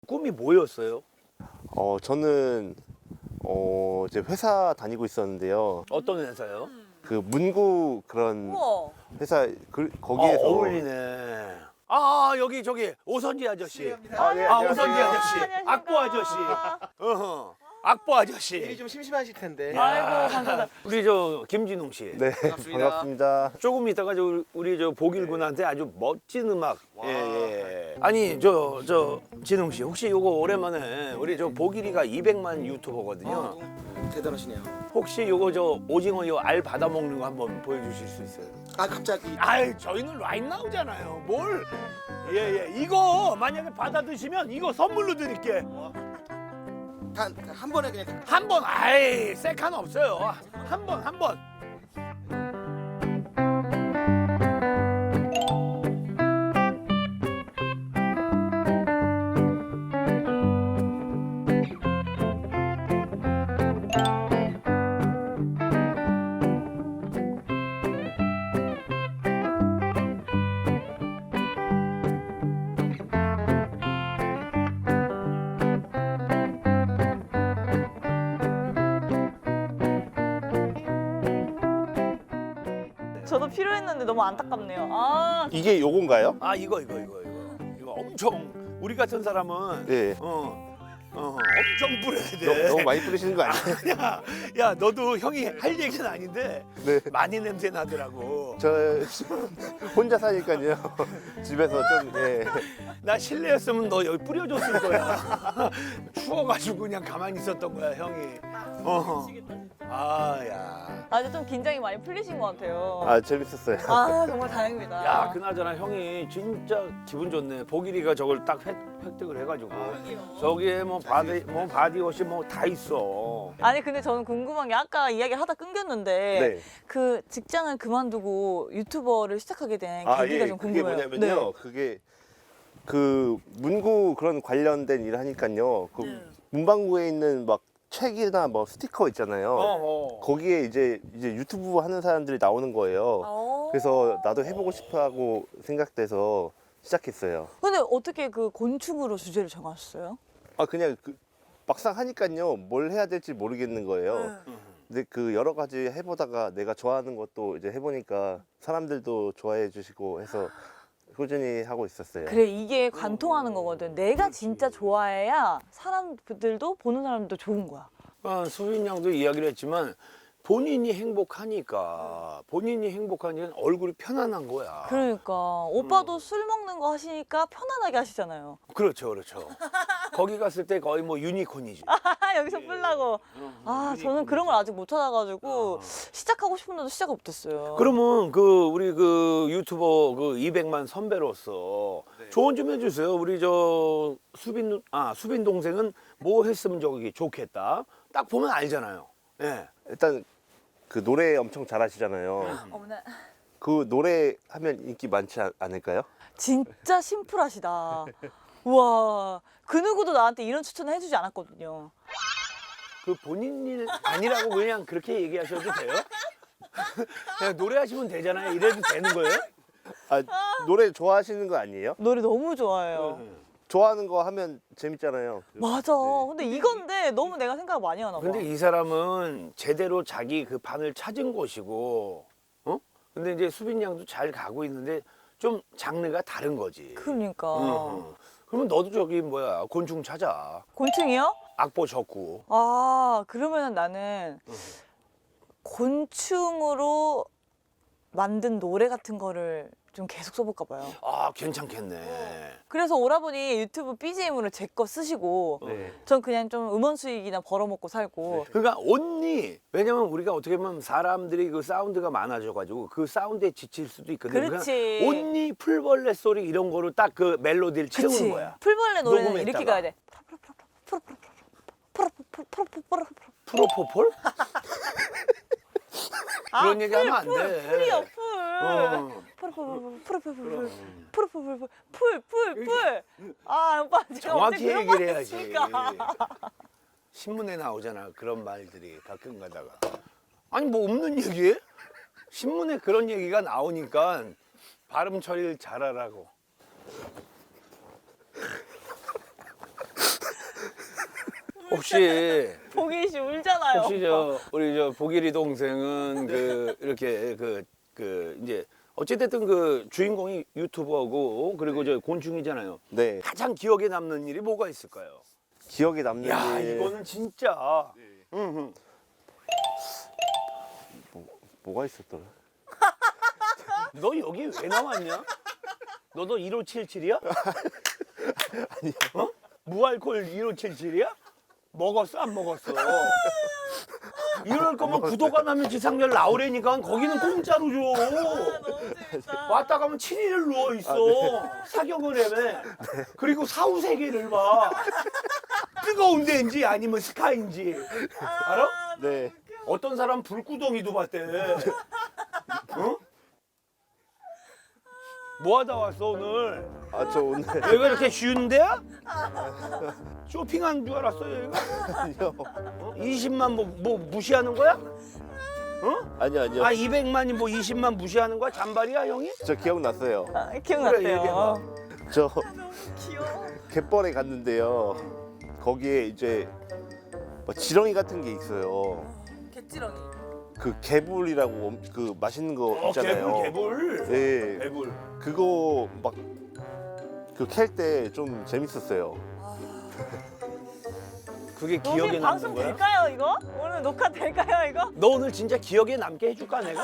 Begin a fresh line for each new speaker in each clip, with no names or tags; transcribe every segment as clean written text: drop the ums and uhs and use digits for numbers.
꿈이 뭐였어요?
저는 이제 회사 다니고 있었는데요.
어떤 회사요?
그 문구 그런
우와.
회사 거기에서
어울리네. 아 여기 저기 오선지 아저씨.
아, 예,
아
안녕하세요.
오선지 아저씨.
안녕하십니까.
악보 아저씨. 어허. 악보 아저씨.
일이 좀 심심하실 텐데.
아이고 감사합니다.
우리 저 김진웅 씨.
네, 반갑습니다.
조금 있다가 우리 저 보길군한테 아주 멋진 음악. 예. 아니 저 진웅 씨 혹시 요거 오랜만에 우리 저 보길이가 200만 유튜버거든요.
대단하시네요.
혹시 요거 저 오징어 요 알 받아 먹는 거 한번 보여주실 수 있어요?
아 갑자기.
아이 저희는 라인 나오잖아요. 뭘? 예예. 이거 만약에 받아 드시면 이거 선물로 드릴게.
한 번에 그냥.
한 번. 아이 세칸 없어요. 한 번.
저도 필요했는데 너무 안타깝네요. 아
이게 요건가요?
아 이거 엄청 우리 같은 사람은
네.
엄청 뿌려야 돼.
너무 많이 뿌리시는 거 아니에요?
야 너도 형이 할 얘기는 아닌데
네.
많이 냄새 나더라고.
저 혼자 사니까요. 집에서 좀 예.
나 실내였으면 너 여기 뿌려줬을 거야. 추워가지고 그냥 가만히 있었던 거야 형이. 아야.
아주 좀 긴장이 많이 풀리신 것 같아요.
아 재밌었어요.
아 정말 다행입니다.
야 그나저나 형이 진짜 기분 좋네. 보길이가 저걸 딱 획득을 해가지고 저기에 뭐 바디워시 뭐 다 있어.
아니 근데 저는 궁금한 게 아까 이야기 하다 끊겼는데
네.
그 직장을 그만두고 유튜버를 시작하게 된 계기가 좀
그게
궁금해요.
뭐냐면요. 그게 그 문구 그런 관련된 일을 하니까요. 그 문방구에 있는 막 책이나 뭐 스티커 있잖아요. 거기에 이제 유튜브 하는 사람들이 나오는 거예요. 그래서 나도 해보고 싶어하고 생각돼서 시작했어요.
근데 어떻게 그 곤충으로 주제를 정하셨어요?
아 그냥 막상 하니까요 뭘 해야 될지 모르겠는 거예요. 근데 그 여러 가지 해보다가 내가 좋아하는 것도 이제 해보니까 사람들도 좋아해 주시고 해서 꾸준히 하고 있었어요.
그래 이게 관통하는 거거든. 내가 진짜 좋아해야 사람들도 보는 사람도 좋은 거야.
수빈 양도 이야기를 했지만 본인이 행복하니까 얼굴이 편안한 거야.
그러니까 오빠도 술 먹는 거 하시니까 편안하게 하시잖아요.
그렇죠. 거기 갔을 때 거의 뭐 유니콘이지.
여기서 풀라고. 아 저는 그런 걸 아직 못 찾아가지고 시작하고 싶은데도 시작 못했어요.
그러면 우리 유튜버 200만 선배로서 조언 좀 해주세요. 우리 저 수빈 동생은 뭐 했으면 저기 좋겠다. 딱 보면 알잖아요. 예.
일단 그 노래 엄청 잘하시잖아요.
어머나.
그 노래 하면 인기 많지 않을까요?
진짜 심플하시다. 우와 그 누구도 나한테 이런 추천을 해주지 않았거든요.
그 본인 일 아니라고 그냥 그렇게 얘기하셔도 돼요? 그냥 노래하시면 되잖아요. 이래도 되는 거예요?
아 노래 좋아하시는 거 아니에요?
노래 너무 좋아해요.
좋아하는 거 하면 재밌잖아요.
맞아. 근데 이건데 너무 내가 생각을 많이 하나 봐.
근데 이 사람은 제대로 자기 그 판을 찾은 것이고, 근데 이제 수빈 양도 잘 가고 있는데 좀 장르가 다른 거지.
그러니까.
그러면 너도 저기 곤충 찾아.
곤충이요?
악보 적고.
아 그러면 나는 곤충으로 만든 노래 같은 거를 좀 계속 써볼까 봐요.
아 괜찮겠네.
그래서 오라버니 유튜브 BGM으로 제 거 쓰시고
네.
전 그냥 좀 음원 수익이나 벌어먹고 살고.
그러니까 왜냐면 우리가 어떻게 보면 사람들이 그 사운드가 많아져가지고 그 사운드에 지칠 수도 있거든.
그렇지.
온니 풀벌레 소리 이런 거로 딱 그 멜로디를 채우는
그치.
거야.
풀벌레 노래는
녹음했다가.
이렇게 가야 돼.
프로포폴? 그런 얘기 하면 안 돼.
풀이요 풀.
어.
풀. 아 오빠 지금
정확히
어떻게 그런
얘기를
말
해야지.
했습니까?
신문에 나오잖아 그런 말들이 가끔 가다가. 아니 뭐 없는 얘기해? 신문에 그런 얘기가 나오니까 발음 처리를 잘하라고. 혹시
보기 씨 울잖아요.
혹시
오빠.
저 우리 저 보길이 동생은 그 이렇게 이제 어찌됐든 그 주인공이 유튜버고 그리고 저 곤충이잖아요.
네.
가장 기억에 남는 일이 뭐가 있을까요?
기억에 남는
야
일
이거는 진짜. 응.
뭐가 있었더라?
너 여기 왜 나왔냐? 너도 1577이야?
아니요.
어? 무알콜 1577이야? 먹었어 안 먹었어? 이럴 거면 구독 안 하면 지상렬 나오래니까 거기는 공짜로 줘.
너무 재밌다.
왔다 가면 7일을 누워 있어. 사경을 해매. 그리고 사후 세계를 봐. 뜨거운 데인지 아니면 스카인지. 알아?
네.
어떤 사람 불구덩이도 봤대. 어? 뭐 하다 왔어 오늘?
아, 저 오늘
여기가 이렇게 쉬운 데야? 쇼핑한 줄 알았어 여기가?
아니요.
20만 뭐 무시하는 거야? 어?
아니요.
아 200만이 뭐 20만 무시하는 거야? 잔발이야 형이?
저 기억났어요.
아, 기억났대요.
그래, 얘기해봐.
저
너무 귀여워.
갯벌에 갔는데요. 거기에 이제 뭐 지렁이 같은 게 있어요.
개찌렁이.
그 개불이라고 그 맛있는 거 있잖아요.
개불.
네.
개불.
그거 막 그 캘 때 좀 재밌었어요.
그게 기억에
여기 방송
남는 거야?
될까요 이거? 오늘 녹화 될까요 이거?
너 오늘 진짜 기억에 남게 해줄까 내가?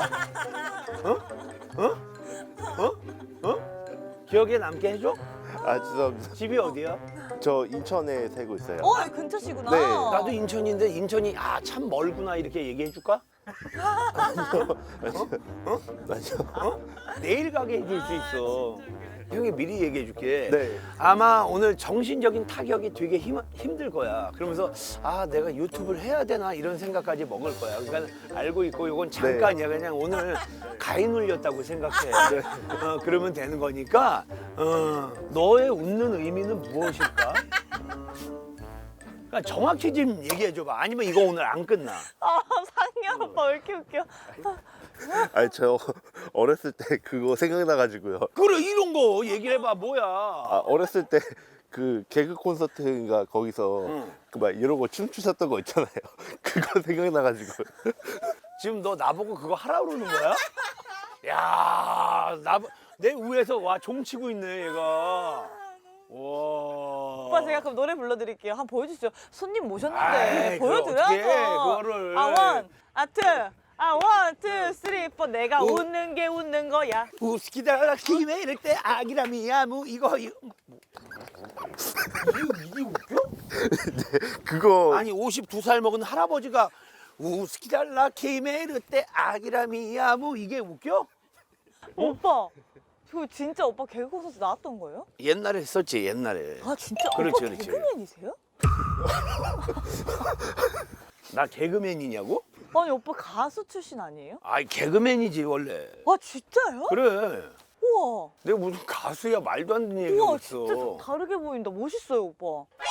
기억에 남게 해줘?
아, 죄송합니다.
집이 어디야?
저 인천에 살고 있어요.
어 여기 근처시구나.
네.
나도 인천인데 인천이 참 멀구나 이렇게 얘기해 줄까?
아니요.
내일 가게 해줄 수 있어. 형이 미리 얘기해 줄게.
네.
아마 오늘 정신적인 타격이 되게 힘들 거야. 그러면서 내가 유튜브를 해야 되나 이런 생각까지 먹을 거야. 그러니까 알고 있고 이건 잠깐이야. 그냥 오늘 가위 눌렸다고 생각해. 그러면 되는 거니까 너의 웃는 의미는 무엇일까? 그러니까 정확히 좀 얘기해 줘봐. 아니면 이거 오늘 안 끝나.
아 상렬 오빠 왜 이렇게 웃겨?
아니, 저 어렸을 때 그거 생각나가지고요.
그래 이런 거 얘기를 해봐. 뭐야?
아, 어렸을 때 그 개그 콘서트인가 거기서
응.
그 막 이러고 춤추셨던 거 있잖아요. 그거 생각나가지고.
지금 너 나보고 그거 하라 그러는 거야? 야, 내 위에서 와 종치고 있네 얘가. 와.
오빠 제가 그럼 노래 불러드릴게요. 한번 보여주시죠. 손님 모셨는데
아이, 그걸 어떡해,
보여드려야죠.
그거를.
원, 투, 원, 투, 쓰리, 포. 내가
우.
웃는 게 웃는 거야.
우스키다라 키메 이럴 때 아기라미야 무 이게 웃겨?
그거
아니 52살 먹은 할아버지가 우스키달라 키메 이럴 때 아기라미야 무 이게 웃겨?
오빠, 저 진짜 오빠 개그 콘서트 나왔던 거예요?
옛날에 했었지 옛날에.
아 진짜?
그렇지,
오빠
그렇지.
개그맨이세요?
나 개그맨이냐고?
아니 오빠 가수 출신 아니에요?
아이 개그맨이지 원래.
아 진짜요?
그래.
우와.
내가 무슨 가수야 말도 안 되는 얘기가
우와
있어.
진짜 좀 다르게 보인다. 멋있어요 오빠.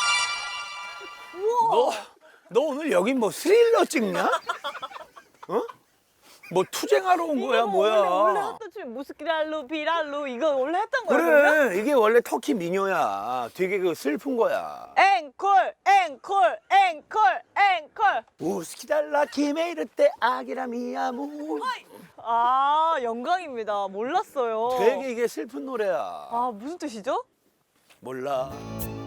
너 오늘 여기 뭐 스릴러 찍냐? 어? 뭐 투쟁하러 온 거야
이거 뭐
뭐야?
원래 했던 춤 무스키랄로 비랄로 이거 원래 했던 거예요? 그러면?
그래 이게 원래 터키 민요야. 되게 그 슬픈 거야.
앵콜 앵콜 앵콜 앵콜.
우스키달라 키메이르 때 아기라미야무.
아 영광입니다. 몰랐어요.
되게 이게 슬픈 노래야.
아 무슨 뜻이죠?
몰라.